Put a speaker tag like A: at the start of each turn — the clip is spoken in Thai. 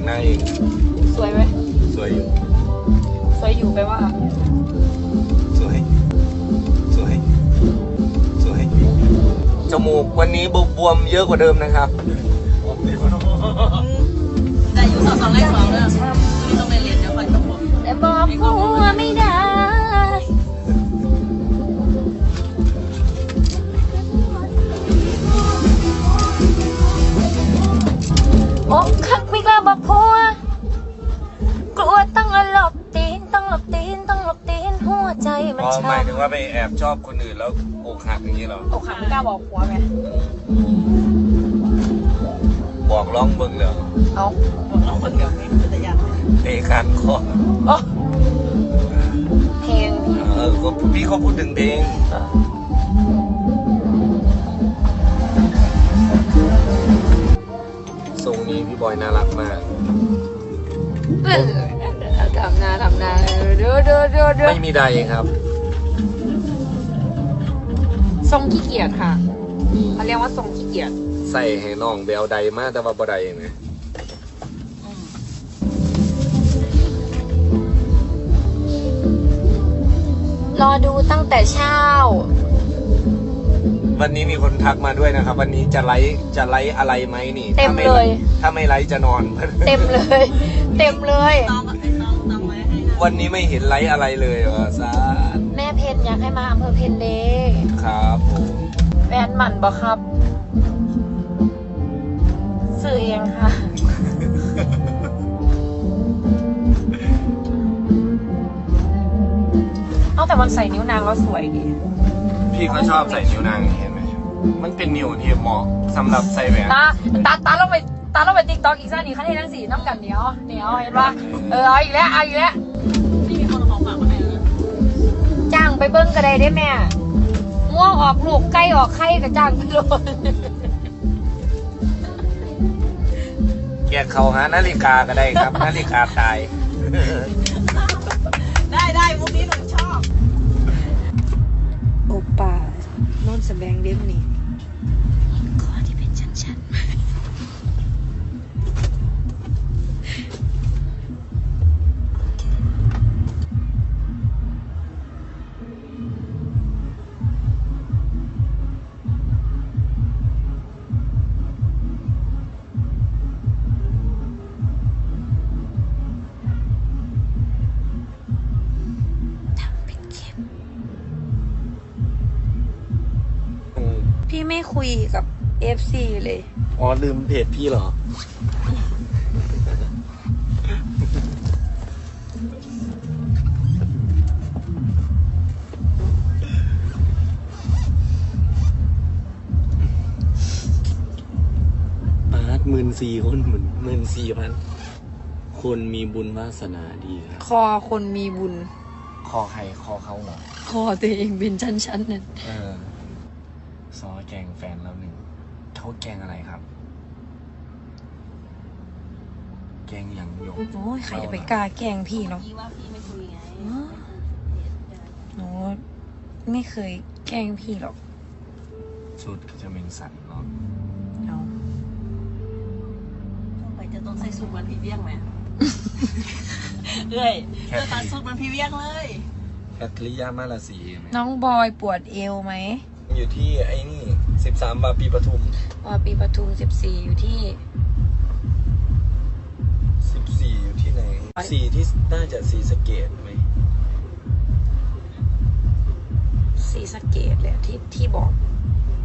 A: หน้าเอง
B: สวยไหม
A: สวยอยู่
B: สวยอยู่แปลว่า
A: สวยสวยสวยจมูกวันนี้บวมเยอะกว่าเดิมนะครับ
C: แต่อยู่สองเลขสองเลยที่ต้องไปเรียนเดี๋ยวคอยจบ
B: แต่บอกผัวไม่ได้อกหักไม่กล้าบอกผัวกลัวต้องหลบตีนต้องหลบตีนต้องหลบตีนหัวใจมันช้ำ
A: หมายถึงว่าไปแอบชอบคนอื่นแล้วอกหักอย่างนี้เหรอ
B: อกหักไม่กล้าบอกผัวไง
A: บอกร้องเบิ่งเลย
B: เอา
C: บอกน้องคนเดียวนี่เป็นอย่าง
A: เตะคันคอ
B: เพลง
A: ก็พี่เขาพูดถึงเพลงทรงนี้พี่บอยน่ารักมาก
B: ทำนาดู
A: ไม่มีใดครับ
B: ทรงขี้เกียจค่ะเขาเรียกว่าทรงขี้เกียจ
A: ใส่ให้น้องเบลใดมากแต่ว่าบ่ใดไง
B: รอดูตั้งแต่เช้า
A: วันนี้มีคนทักมาด้วยนะครับวันนี้จะไลฟ์อะไรไหมนี่
B: เต็มเลย
A: ถ้าไม่ไลฟ์จะนอน
B: เต็มเลย
C: ต้องไว้ให้
A: วันนี้ไม่เห็นไลฟ์อะไรเลยซา
B: แม่เพนอยากให้มาอำเภอเพนเดย์
A: ครับผม
B: แฟนหมั่นบ่ครับสื่อเองค่ะเอาแต่มันใส่นิ้วนางแล้วสวยดี
A: พี่เขาชอบใส่นิ้วนางเห็นไหมมันเป็นนิ้วที่เหมาะสำหรับใส่แหวน
B: ตาเราไปติ๊กต็อกอีกซะนี่ขั้นที่ทั้งสี่น้ำกันเหนียวเห็นปะเอาอีกแล้ว
C: นี่มีคนของฝากมาให้แล้ว
B: จ้างไปเบิ้งกระไดได้แม่ง่วงออกลูกใกล้ออกไข่กับจ้างไปโลด
A: แกเขาหานาฬิกาก็ได้ครับนาฬิกาตาย
C: ได้มุกนี้หนูชอบ
B: โอป้าโน่นแสดงเด็บนี่คอที่เป็นชั้นพี่ไม่คุยกับ FC เลย
A: อ๋อลืมเพจพี่เหรอ14,000 คน14,000คนมีบุญวาสนาดีครับ
B: คอคนมีบุญ
A: คอใครคอเขาเหรอ
B: คอตัวเองเป็นชั้นนั่น
A: ซอแกงแฟนแล้วหนึ่งเขาแกงอะไรครับแกงอย่างหยก
B: โอ้ยใครจะไปกล้าแกงพี่เนาะ
C: พี่ว่าพี่ไม่คุยไง
B: โน้ไม่เคยแกล้งพี่หรอก
A: ชุดจะเป็นสันเนาะ
C: ไปจะต้องใส่สูทมันพี่เวียงไหมเอ้ยจะตัดสูทมันพี่เวียงเลย
A: แคทริยามาลาสี
B: น้องบอยปวดเอวไหม
A: อยู่ที่ไอ้นี่13 บาปีปทุม
B: 14อยู่ที่
A: 14อยู่ที่ไหน4ที่น่าจะศรีสะเกษไหม
B: ศรีสะเกษแหละที่บอก